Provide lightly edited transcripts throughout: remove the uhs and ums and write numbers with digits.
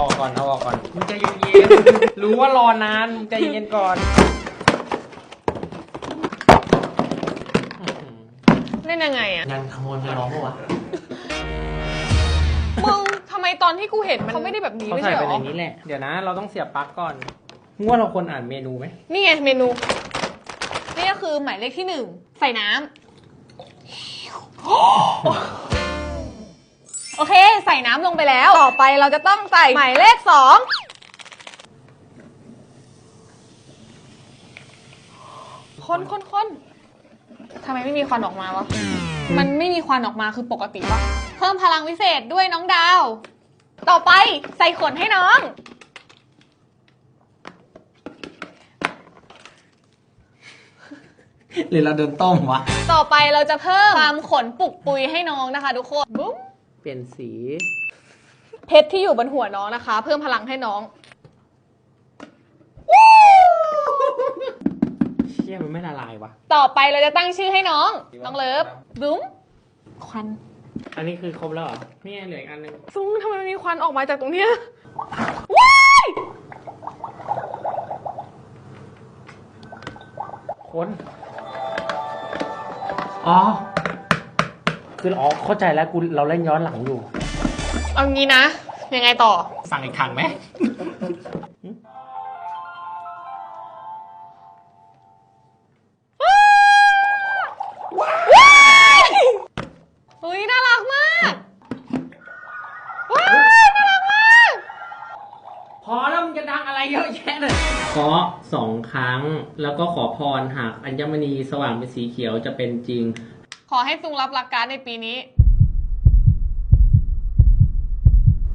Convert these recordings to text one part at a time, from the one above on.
อกก่อนเอาออกก่อนมึงใจเย็นๆรู้ว่ารอนานมึงใจเย็นก่อนเล่นยังไงอะงานขโมยไปร้องปะวะมึงทำไมตอนที่กูเห็นมันเขาไม่ได้แบบนี้เขาไม่ใส่ใช่หไปรในอนี้แหละเดี๋ยวนะเราต้องเสียบปลั๊กก่อนว่าเราควรอ่านเมนูไหมนี่ไงเมนู นี่ก็คือหมายเลขที่ 1 ใส่น้ำ โอเค ใส่น้ำลงไปแล้ว ต่อไปเราจะต้องใส่หมายเลข 2คนทำไมไม่มีควันออกมาวะ มันไม่มีควันออกมาคือปกติปะเพิ่มพลังวิเศษด้วยน้องดาว ต่อไปใส่ขนให้น้องหรือเราเดินต้มวะต่อไปเราจะเพิ่มความขนปุกปุยให้น้องนะคะทุกคนบุ้มเปลี่ยนสีเพชรที่อยู่บนหัวน้องนะคะ เพิ่มพลังให้น้องเชี่ยมันไม่ละลายวะต่อไปเราจะตั้งชื่อให้น้องน้องเลิฟบุ้มควันอันนี้คือครบแล้วเหรอนี่ไงเหลืออีกอันนึงซุ้งทำไมมันมีควันออกมาจากตรงเนี้ยว้ายคนอ๋อคืออ๋อเข้าใจแล้วเราเล่นย้อนหลังอยู่เอางี้นะ ยังไงต่อสั่งอีกถังไหมเฮ้ยน่ารักมากว้ายน่ารักมากพอแล้วมึงจะดังอะไรเยอะแยะเลยขอ2 ครั้งแล้วก็ขอพรหากอัญมณีสว่างเป็นสีเขียวจะเป็นจริงขอให้ซุงรับหลักการในปีนี้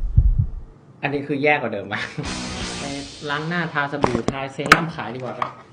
อันนี้คือแย่กว่าเดิมมากไปล้างหน้าทาสบู่ทาเซรั่มขายดีกว่าปะ